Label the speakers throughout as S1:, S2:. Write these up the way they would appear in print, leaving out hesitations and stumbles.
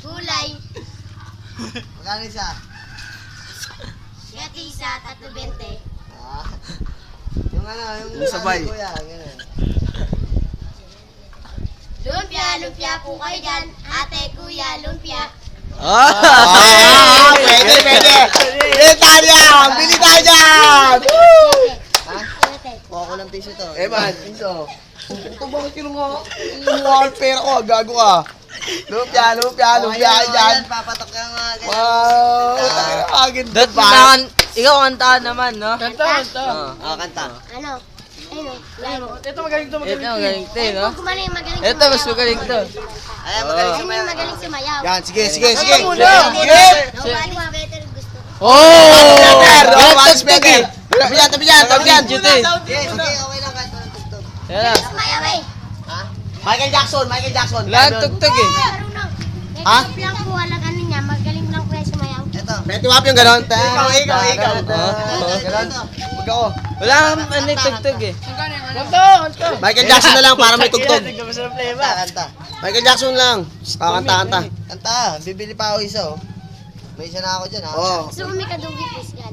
S1: gulay.
S2: Magkano isa?
S1: Gati isa, 3.20.
S2: Ah. Yung ano, yung
S3: sabay.
S2: Kuya, ganun.
S1: Lumpia, lumpia po kayo dyan. Ate, kuya, lumpia.
S2: Pwede, pwede. Bili tayo dyan! Bili tayo dyan! Ha? Kuha ko ng piso to.
S3: Man, piso. Ito bakit kinuha? Kinuha ang pera ko, gago ka. Lumpia dyan.
S2: Papatok ka nga.
S3: Wow, agad
S4: Dat
S3: ba?
S4: ikaw kantaan naman, no?
S1: Kanta?
S2: Kanta.
S1: Ano? Ayun.
S4: Ito magaling to, no?
S1: Magaling
S4: Ito, mas magaling to.
S2: Ayan, magaling
S1: Ayun
S2: sumayaw.
S1: yung magaling sumayaw.
S3: Yan, sige. Sige!
S1: Nobody better gusto.
S4: Oh!
S3: Once better! Tabi dyan!
S4: Video to eh.
S2: Sige, okay lang kahit walang tugtog.
S4: Yan lang.
S1: Sumayaw eh.
S3: Michael Jackson!
S4: Wala ang tugtog eh.
S1: Marunong.
S3: Ha?
S1: Ito lang po, walang ano niya. Magaling lang po yung sumayaw.
S2: Ito.
S3: Betty Wap yung ganon.
S2: Ikaw.
S3: Ganon. Huwag ako.
S4: Wala ang ano yung tugtog eh.
S3: Michael Jackson na lang para may tugtog.
S2: Kanta.
S3: Michael Jackson lang. Kakanta.
S2: Kanta. Bibili pa ako isa, oh. May isa na ako dyan, ha?
S3: Oo.
S1: Gusto ko may kadugit is yan.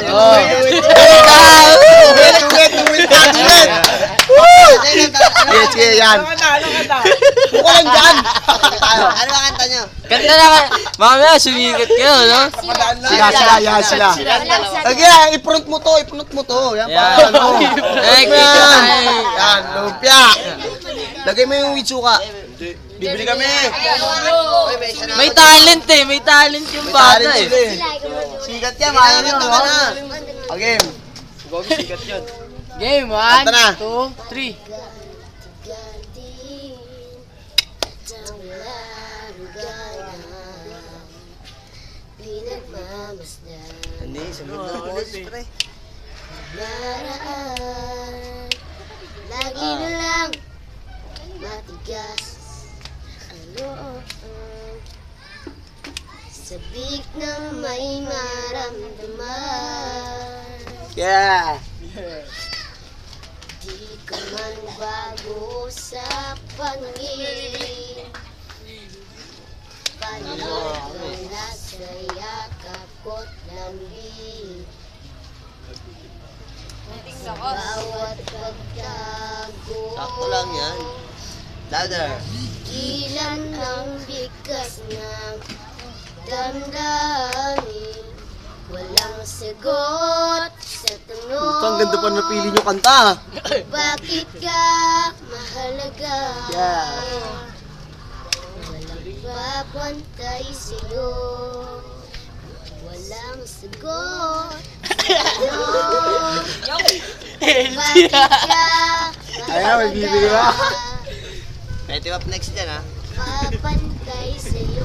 S3: Sige, yan. Buko lang dyan.
S2: Ano ba kanta nyo?
S4: Kanta na ka. Mamaya, sumikat kayo, no?
S3: Sila. Sige, i-front mo to. Yan pa.
S4: Yan.
S3: Ano?
S4: Ay, kita tayo.
S3: Yan, lumpia. Lagay mo yung witsuka. Bibili kami.
S2: Uy, may isa na
S4: May
S2: ako
S4: talent eh. May talent yung bata eh.
S3: Sikat yan,
S2: dyan.
S3: mahal
S2: Kanta
S3: nyo.
S2: ka na.
S3: Okay.
S4: Game,
S3: Kanta na.
S4: 2, 3.
S2: Hindi, sunod na boss, pre.
S1: Naraan, lagi na lang matigas ang loob. Sabik na may maramdaman.
S3: Yeah.
S1: Di ka man bago sa pangingin. Panood ka nasa yakap ko't lambing. Bawat pagtago.
S2: Sakto lang yan. Louder.
S1: Ilan ang bigkas ng damdamin. Walang sagot sa tanong.
S3: Ang ganda pa napili nyo kanta.
S1: Bakit ka mahalaga? Walang papantay sa'yo. Walang sagot sa tanong. Bakit ka
S3: Ayan, may bibili ba?
S2: Betty Wap next dyan, ha?
S1: papantay sa'yo?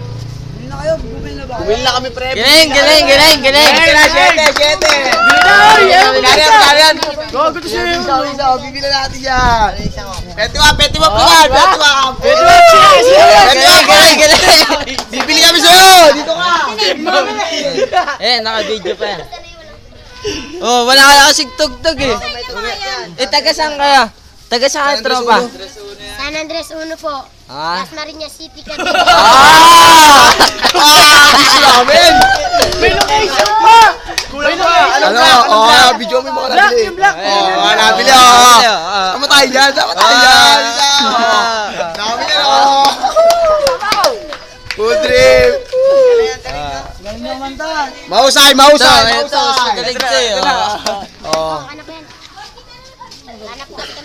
S3: Bumili na kami, pre.
S4: Galing.
S3: Siyete. Kariyan. Isa. Bibili natin yan.
S2: Ano isa mo?
S3: Betty Wap naman.
S4: Galing.
S3: Bibili kami sa'yo. Dito ka.
S4: Naka-video pa yan. Oh, wala ka kasing tugtog eh.
S2: May tugtog yan.
S4: Taga saan kaya? Taga saan ka, tropa?
S1: San Andres 1 po.
S4: Ah.
S1: Las Marinas City, Cavite.
S3: Gusto namin. Ano? Video mo yung mga nabili. Nabili. Sama tayo dyan. Dami yan. Food trip. Mahusay.
S4: Ito, galing sa'yo.